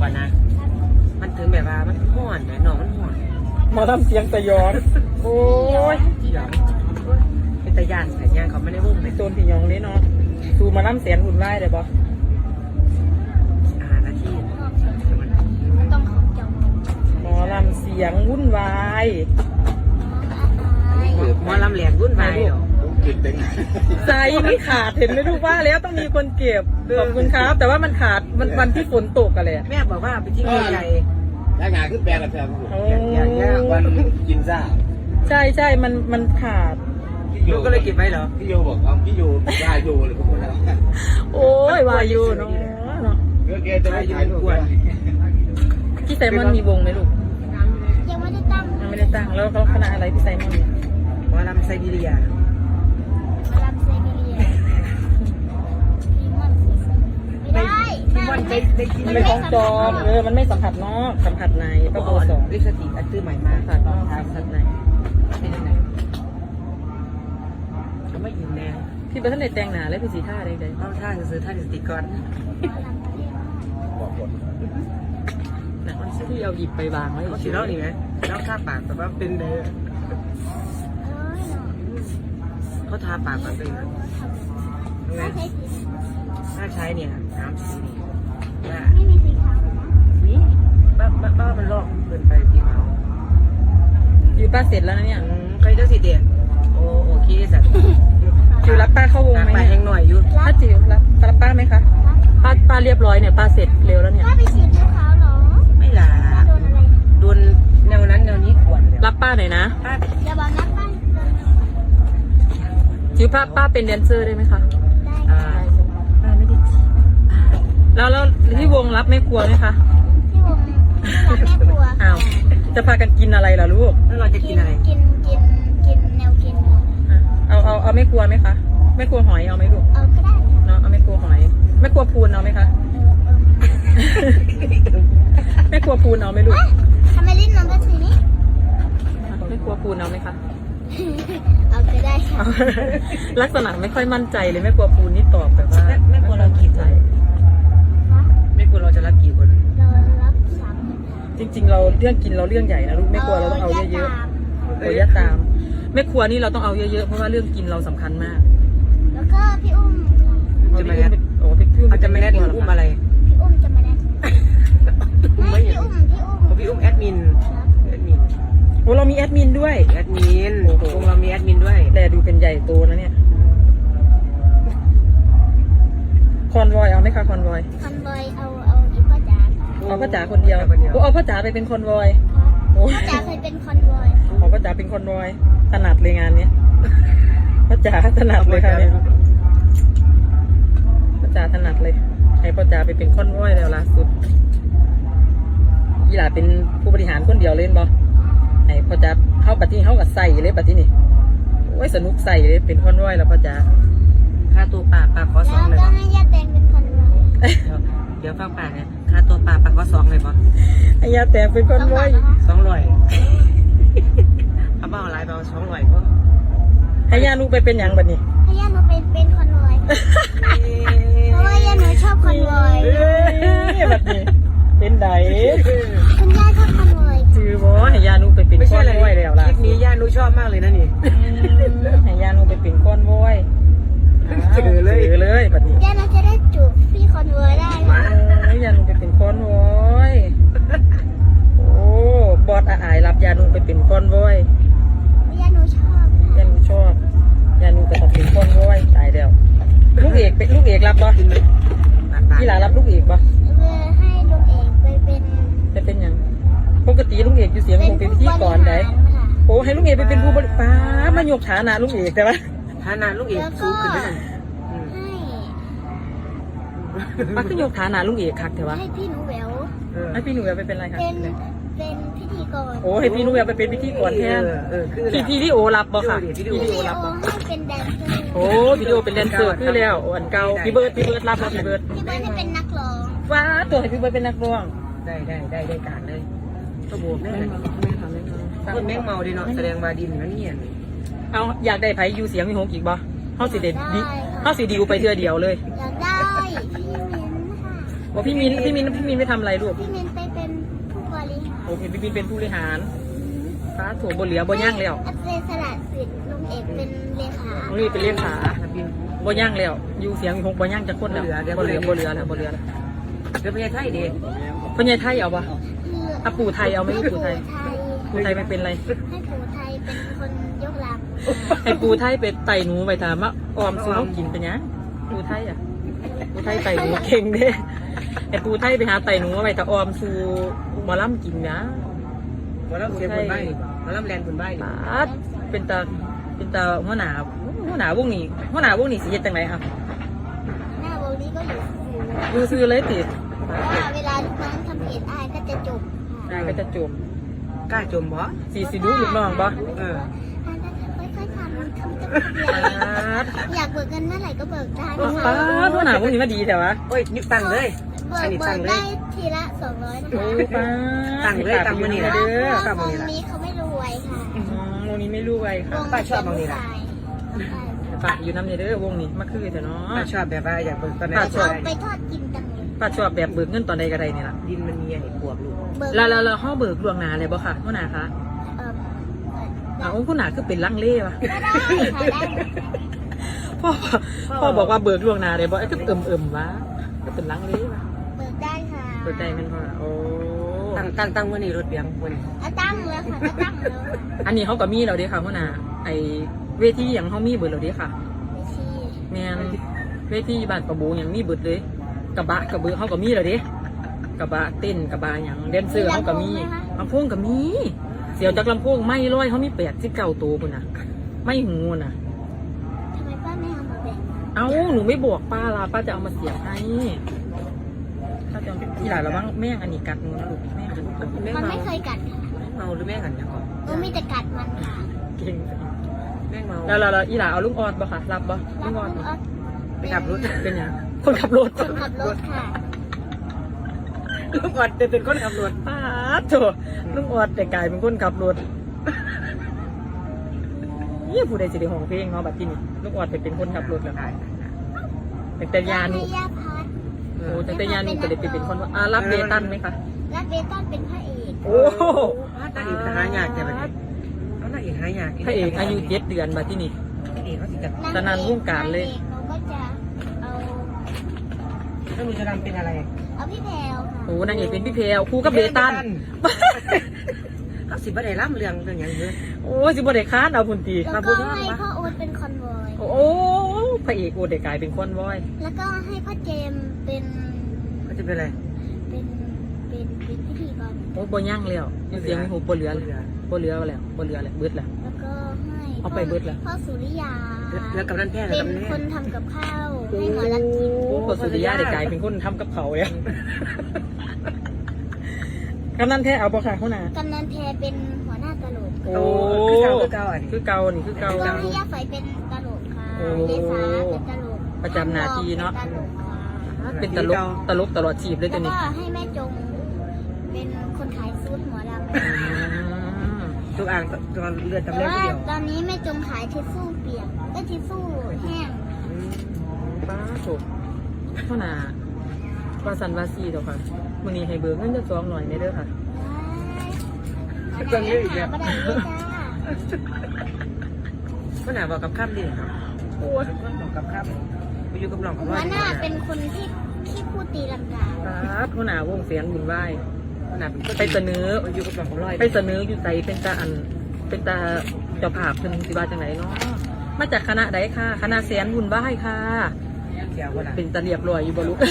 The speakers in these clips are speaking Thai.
ก่อนนะมันถึงแบบว่ามันห่อนนะน้องมันห่อนมาทำเสียงสยองโอ้ยเสียงเป็นตะยานแต่ยานเขาไม่ได้วงเลยโจนพี่ยองนี่เนาะดูมาน้ำเสียงหุ่นไหวเลยปะนาทีต้องขอบจองหมอลำเสียงวุ่นวายหมอลำแหลกวุ่นวายใจไม่ขาดเห็นไหมลูกว่าแล้วต้องมีคนเก็บขอบคุณครับแต่ว่ามันขาดวันที่ฝนตกกันเลยแม่บอกว่าไปที่ใหญ่แล้วงานขึ้นแปลงกันแทนวันกินซ่าใช่มันขาดพี่โยก็เลยเก็บไว้เหรอพี่โยบอกเอาพี่โยได้โยเลยพวกคนแล้วโอ้ยวายูเนาะเมื่อกี้จะไม่ถ่ายรูปพี่ไซมอนมีวงไหมลูกยังไม่ได้ตั้งแล้วเขาคณะอะไรพี่ไซมอนเนี่ยหมอลำไซบีเรียมาลำไซบีเรียไม่ได้พี่มอนได้กินมันไม่ของจอมมันไม่สัมผัสนอกสัมผัสในประโบสองลิปสติกอันซื้อใหม่มาสัมผัสนอกสัมผัสในเป็นยังไงเขาไม่ยินแน่พี่ประธานในแต่งหนาเลยพี่สีท่าใดๆต้องท่าซื้อท่าลิปสติกก่อนบอกหมดที่เอาหยิบไปวางไว้เขาฉีดแล้วนี่ไหมแล้วทาปากแต่ว่าเป็นเด้อเขาทาปากแบบเป็นนะถ้าใช้เนี่ยน้ำสีไม่มีสีขาวนี่บ้ามันลอกเกินไปสีขาวอยู่ป้าเสร็จแล้วนะเนี่ยใครจะสีเดียโอเคสัตว์จิวรับป้าเข้าวงไหมไปยังหน่อยอยู่ถ้าจิวรับป้าไหมคะป้าเรียบร้อยเนี่ยป้าเสร็จเร็วแล้วเนี่ยป้าไปฉีดสีขาวเหรอไม่ล่ะโดนแนวนั้นแนวนี้ขวนรับป้าหน่อยนะอย่าบอกนะป้าจิวป้าเป็นแดนเซอร์ได้ไหมคะได้ไม่ได้แล้วที่วงรับไม่กลัวไหมคะที่วงรับแม่ครัวอ้าวจะพากันกินอะไรล่ะลูกแล้วเราจะกินอะไรกินแนวกินเอาไม่กลัวไหมคะไม่กลัวหอยเอาไหมลูกเอาก็ได้เนาะเอาไม่กลัวหอยไม่กลัวพูนเอาไหมคะไม่กลัวพูนเอาไหมลูกทำไมลิ้นน้องก็ถือนี่ไม่กลัวพูนเอาไหมคะเอาก็ได้ลักษณะไม่ค่อยมั่นใจเลยไม่กลัวพูนนี่ตอบแบบว่าไม่กลัวเรากี่ใจไม่กลัวเราจะรับกี่คนเรารับ3 จริงๆเราเรื่องกินเราเรื่องใหญ่นะลูกไม่กลัวเราต้องเอาเยอะๆโอ้ยตามไม่ครัวนี่เราต้องเอาเยอะๆเพราะว่าเรื่องกินเราสำคัญมากแล้วก็พี่อุ้มจะมาแนทพี่อุ้มจะมาแนทอุ้มอะไรพี่อุ้มจะมาแนทไม่พี่อุ้มแอดมินโอ้เรามีแอดมินด้วยแอดมินวงเรามีแอดมินด้วยแต่ดูเป็นใหญ่โตนะเนี่ยคอนวอยเอาไหมคะคอนวอยเอาอีพ่อจ๋าเอาพ่อจ๋าคนเดียวเอาพ่อจ๋าไปเป็นคอนวอยพ่อจ๋าเคยเป็นคอนวอยพ่อจ๋าเป็นคอนวอยถนัดเลยงานนี้พ่อจ๋าถนัดเลยค่ะเนี่ยพ่อจ๋าถนัดเลยให้พ่อจ๋าไปเป็นคอนวอยแล้วล่าสุดยี่หล่าเป็นผู้บริหารคนเดียวเล่นบอไอ้พ่อจ๋าเข้าบัตรที่เข้ากับใส่เลยบัตรที่นี่โอ้ยสนุกใส่เลยเป็นคอนวอยแล้วพ่อจ๋าค่าตัวป่าขอ2เลยแล้วก็ให้ย่าแตงเป็นคอนวอยเดี๋ยวฟังป่าเนี่ยค่าตัวป่าขอ2เลยบอให้ย่าแตงเป็นคอนวอย 200เอาเบาหลายเบา200ก็ให้ย่าลูกไปเป็นอย่างบัดนี้ให้ย่าหนูเป็นคอนวอยเพราะว่าย่าหนูชอบคอนวอยบัดนี้เป็นไดคุณย่าชอบคอนวอยจือบอให้ย่าลูกไปเป็นคอนวอยแล้วล่ะคลิปนี้ย่าลูกชอบมากเลยนะนี่ให้ย่าลูกไปเป็นคอนวอยเจอเลยบัดนี้ย่าหนูจะได้จูบพี่คอนวอยได้ย่าลูกไปเป็นคอนวอยโอ้บอสอายรับยานูไปเป็นคอนวอยยานูชอบยานูชอบยานูไปต้องเป็นคอนวอยตายแล้วลูกเอกเป็นลูกเอกรับบ่พี่หลารับลูกเอกบ่ให้ลูกเอกไปเป็นยังปกติลูกเอกอยู่เสียงคงเป็นพิธีกรได้โอ้ให้ลูกเอกไปเป็นผู้บริฟ้ามายกฐานะลูกเอกแต่ว่าฐานะลูกเอกสูงขึ้นได้ป้าขึ้นยกฐานะลูกเอกคักแต่ว่าให้พี่หนูแหววไปเป็นอะไรคะเป็นพิธีกรโอ้ให้พี่หนูแหววไปเป็นพิธีกรแทนพี่วิดีโอรับบ่ค่ะวิดีโอรับบ่เป็นแดนเซอร์โอ้วิดีโอเป็นแดนเซอร์คือแล้วอันเก่าพี่เบิร์ดรับแล้วพี่เบิร์ดให้เป็นนักร้องว้าตัวให้พี่เบิร์ดเป็นนักร้องได้การเลยตัวโบแม่คนแม่งเมาดีเนาะแสดงมาดินนั่นเนี่ยเอาอยากได้ไผยูเสียงมีหงอีกบ่เขาสิเด็ดเขาสิดิวไปเทื่อเดียวเลยอยากได้พี่วินค่ะว่าพี่มินไม่ทำอะไรลูกพี่มินไปเป็นผู้บริหารโอเคพี่มินเป็นผู้บริหารฟ้าถั่วบนเหลือบนย่างแล้วอัศสละสิทธิ์ลุงเอกเป็นเลขาน้องนี่เป็นเลขาบินบนย่างแล้วอยู่เสียงมีหกบนย่างจะคนแล้วบนเหลืแล้วเดี๋ยวไปไทยเด็กพ่อใหญ่ไทยเอาปะคืออ่ะปู่ไทยเอาไหมปู่ไทย ปู่ไทยไม่เป็นไรให้ปู่ไทยเป็นคนยกลังให้ปู่ไทยไปไต่หนูไปถามว่าออมซื้อเขากินเป็นยังปู่ไทยอ่ะปู่ไทยไต่หนูเก่งเด้ให้ปู่ไทยไปหาไต่หนูไปแต่ออมซูหมอลำกินนะมาล่ำเสียบนใบมาล่ำแลนบนใบปาดเป็นตาหัวหน้าวงนี้สิเฮ็ดจังไดอ่ะหน้าวงนี้ก็อยู่สูงดูซื้อเลยติเพราะว่าเวลาลูกน้องทำเพจอายก็จะจบค่ะก็จะจมกล้าจมบ่สิดูลูกน้องบ่เออค่อยๆทำมันทำจะปาดอยากเบิกเงินเมื่อไหร่ก็เบิกได้ปาดหัวหน้าวงนี้มาดีแต่ว่าโอ้ยนึกตังเลยเบิอันกนี้เบิตังกเลได้ยทีละ200นะโอ้คะปาดตังเลยตังมื้อนี้เด้ล่ะอเพราะวงนี้เขาไม่รวยค่ะวงนี้ไม่รู้ไว้ค่ะป้าชอบบางนี่ล่ะฝากอยู่น้ำเด้อวงนี้มาคือเถอะเนาะป้าชอบแบบว่าอยากเบิกตอนไหนป้าชอบเอาไปทอดกินจังเลยป้าชอบแบบเบิกเงินตอนใดก็ได้นี่ล่ะดินมันมีอันนี้ปวกลูกเบิกแล้วห้อเบิกล่วงหน้าเลยบ่ค่ะหัวหน้าคะเอ่ออ้าวคุณหน้าคือเป็นลังเล่วะก็ได้ค่ะได้พ่อบอกว่าเบิกล่วงหน้าเลยบ่ไอ้คือวะก็เป็นลังเล่วะเบิกได้ค่ะเปิดใจมันพ่อโอ้ตั้งมื้อนี้รถเบียงมื้อนี้อ่ะตั้งแล้วค่ะก็ตั้งแล้วอันนี้เขาก็มีแล้วเด้ค่ะหัวหน้าไอเวทีอย่างเขามีเบิดแล้วเด้ค่ะไม่ชี้แม่นเวทีบ้านประโบอย่างมีเบิดเลยกระบะกระเบือเขาก็มีแล้วเด้กระบะเต้นกระบะอย่างแดนเซอร์เขาก็มีลำโพงก็มีเสียวจากลำโพงไม่ร้อยเขามี89ตัวคุณน่ะไม่หูน่ะทำไมป้าไม่เอามาแบ่งเอ้าหนูไม่บอกป้าล่ะป้าจะเอามาเสียบให้ป้าจะเอาทีหลังระวังแม่งอันนี้กัดหนูนะลูกแม่งอันนี้กัดแม่มันเมาไม่เคยกัดค่ะเมาหรือแม่หันยังก่อนมีแต่กัดมันค่ะเก่งแม่เมาแล้วอีหล่าเอาลุงออดบ่ค่ะรับบ่ลุงออดแล้วไปขับรถเป็นยังคนขับรถคนขับรถค่ะลุงออดเป็นคนขับรถป้าโถลุงออดแต่กลายเป็นคนขับรถนี่ผู้ใดสิได้ห้องเพลงเนาะบัดที่นี่ลุงออดไปเป็นคนขับรถแล้วแต่แต่ยานุให้ย่าพัดโอ้แต่แต่ยานุก็เลยไปเป็นคนว่ารับเบตันไหมคะและเบตันเป็นพระเอกโอ้นางเอกหายากแต่แบบนี้เอานางเอกหายากพระเอกอายุ7 เดือนบัดที่นี่พระเอกเขาสิจะตอนนั้นวงการเลยนางเอกเราก็จะเอาแล้วหนูจะทำเป็นอะไรเอาพี่แพรวค่ะโอ้นางเอกเป็นพี่เพลคู่กับเบตันเขาสิบ่ได้ล่ำเรื่องอย่างเยอะโอ้สิบ่ได้ค้านเอาพุ่นตีแล้วก็ให้พ่อโอ๊ตเป็นคอนวอยโอ้พระเอกโอ้ได้กลายเป็นคนว้อยแล้วก็ให้พ่อเจมส์เป็นเขาจะเป็นอะไรเป็นพิธีกรโอ้บ่ย่างแล้วอยู่เสียงมีหูบ่เหลือแล้วเบิดแล้วเบิดแล้วแล้วก็ให้เอาไปเบิดแล้วพ่อสุริยาแล้วกับนั่นแพ้เป็นกับแม่คนทำกับข้าวให้หมอรักกินโอ้ปสุริยะได้กลายเป็นคนทำกับเขาเนี่ยกำนันแท้เอาบ่ค่ะเขาน่ะกำนันแพรเป็นหัวหน้าตลกโอ้คือเก่าอันนี้คือเก่านี่คือเก่าแล้วก็ให้ย่าไฟเป็นตลกค่ะโอ้เยสาเป็นตลกประจำหน้าที่เนาะป็ตลกค่ะเป็นตลกตลอดชีพเลยแล้ตัว วนี้ก็ให้แม่จงเป็นคนขายซูดหมอลำทุกอ่างตอนเลือดแต่ตำแหน่งว่าเดียวตอนนี้แม่จงขายทิชชู่เปียกก็ทิชชู่แห้งป้าโถเท่าน่ะว่าสันว่าซีเด้อค่ะมื้อนี้ให้เบิกเงินจะ2หน่อยได้เด้อค่ะก็ได้เลยจ้าก็หนาบอกกับข้ามดิครับโอ้ยก็บอกกับข้ามไปอยู่กับหลองกับหัร้อวย หน้าเป็นคนที่พูดตีลังกาป้าเท่าน่ะวงเสียงบุญไหว้หนาเป็นไปเสนออยู่กับหลองกับร้อยไปเสนออยู่ใจเป็นตาเป็นตาเจ้าภาพเพิ่นสิว่าจังไหนเนาะมาจากคณะใดค่ะคณะแสนบุญบ้ายค่ะเกี่ยวว่าเป็นตาเรียบร้อยอยู่บ่ลูก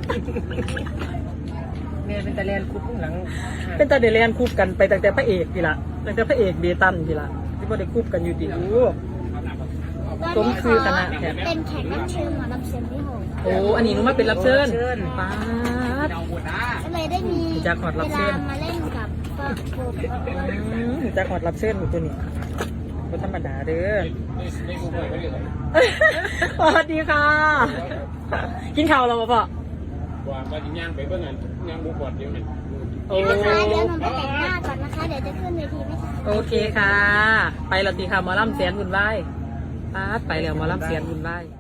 แม่เป็นตะแลนคุกข้างหลังเป็นตาเดเรียนคูบกันไปตั้งแต่พระเอกทีละตั้งแต่พระเอกเบตันทีละที่บ่ได้คูบกันอยู่ดีลูก สมคือคณะแขกเป็นแขกรับเชิญหมอลำเสียงพี่หงโอ้อันนี้หนูมาเป็นรับเชิญป้าดก็เลยได้มีจากขอดรับเชิญวลามาเล่นกับป้าโบจะขอดรับเชิญหนูตัวนี้บ่ธรรมดาเด้อสวัสดีค่ะ กินข้าวแล้วบ่พ่อว่าก็จะย่างไปเบิ่งอันย่างบุกบอดเดียวนั่นโอ้นะคะเดี๋ยวหนูไปแต่งหน้าก่อนนะคะ เดี๋ยวจะขึ้นเวทีไม่ทันโอเคค่ะ ไปแล้วตีค่ะหมอลำเสียนบุญไหว้ป้าดไปแล้วหมอลำเสียนบุญไหว้